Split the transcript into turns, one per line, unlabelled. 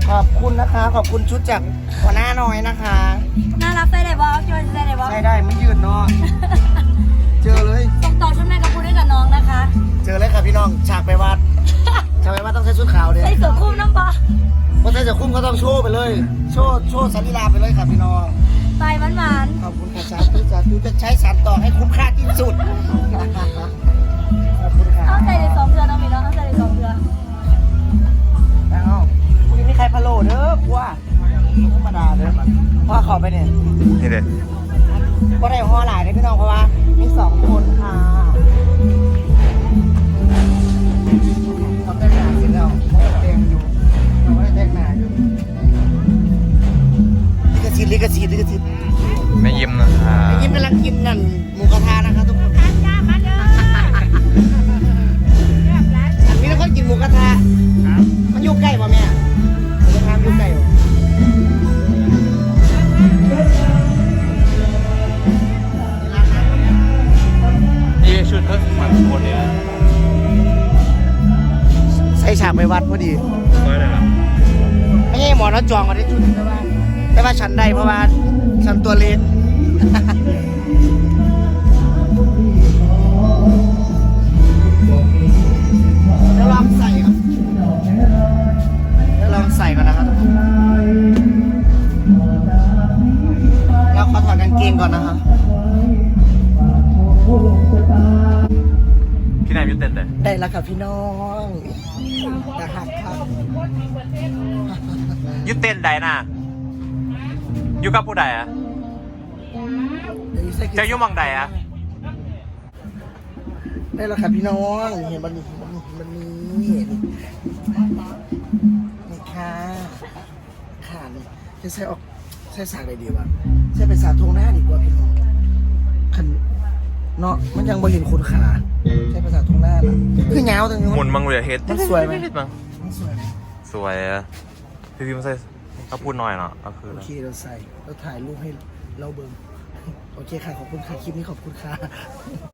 ขอบคุณนะคะขอบคุณชุดจากหัวหน้าน้อยนะคะ
น่ารักได้เลยบอสช่วยได้เลยบอส
ใช่ได้ไม่ยืดเนาะเจอเลย
ส่งต่อชุดแม่กับพูดให้กับน้องนะคะ
เจอเลยค่ะพี่น้องฉากไปวัดฉากไปวัดต้องใส่ชุดขาวเลย
ใส่เสื้อคลุมน้ำบอส
เพราะใส่เสื้อคลุมก็ต้องโชว์ไปเลย โชว์สันนิลาไปเลยค่ะพี่น้อง
ไปหวาน
ขอบคุณค่ะสาธุจะใช้สารต่อให้คุ้มค่าที่สุดขอบคุณค่ะ
ๆเอาใส่เลย2 เดือนน้องมีน้องเอาใส่เลย2 เดือน
แล้ววันนี้มีใครพะโล้เด้อกูว่าธรรมดาเด้อว่าขอไปเนี่ย
นี่เด็ด
ก็ได้ห่อหลายเลยพี่น้องเพราะว่ามี2 คนค่ะเขาแต่งหน้าเสร็จแล้วเขาก็แต่งอยู่เขาก็ได้แต่งหน้าอยู่ลิขสิทธิ์
ไม่ยิ้มนะครับ
ยิ้มกำลังกินนั่นหมูกระทะนะคะทุกคนอันนี้เราก็กินหมูกระทะมันอยู่ใกล้ป่ะแม่หมูกระทะอยู่ใกล้ป่ะ
นี่ชุดเพิ่มมันคนเนี่ย
ใส่ฉากไปวัดพอดี
ก็ได้ละ
ไม่ใช่หมอแล้วจองมาได้ชุดนึงแต่ว่าฉันได้เพราะว่าฉันตัวเล็กแล้วลองใส่ครับแล้วลองใส่ก่อนนะครับแล้วขอถอดกางเกงก่อนนะครับ
พี่นายมิวเต้นเลย
ได้แล้วครับพี่น้องแต่หักครับ
ยูเต้นใดน่ะยูกับผู้ใดอะจะยูมังใดอะ
ได้แล้วครับพี่น้องเห็นมันนี่นี่ค่ะขาดจะใส่ออกใส่สากอะไรดีวะใส่เป็นสากทงหน้าดีกว่าพี่น้องขันเนาะมันยังบ่เห็นคุณขาใช้ภาษาทงหน้านะคือเงาตรงนี้
หมุนมังเหลือเฮ็ด
มันสวยไหม
มันสวยอะพี่พิมพ์ใส่ก็พูดหน่อยเนาะก็คือ
โอเคเราใส่เราถ่ายรูปให้เราเบิ่งโอเคค่ะขอบคุณค่ะคลิปนี้ขอบคุณค่ะ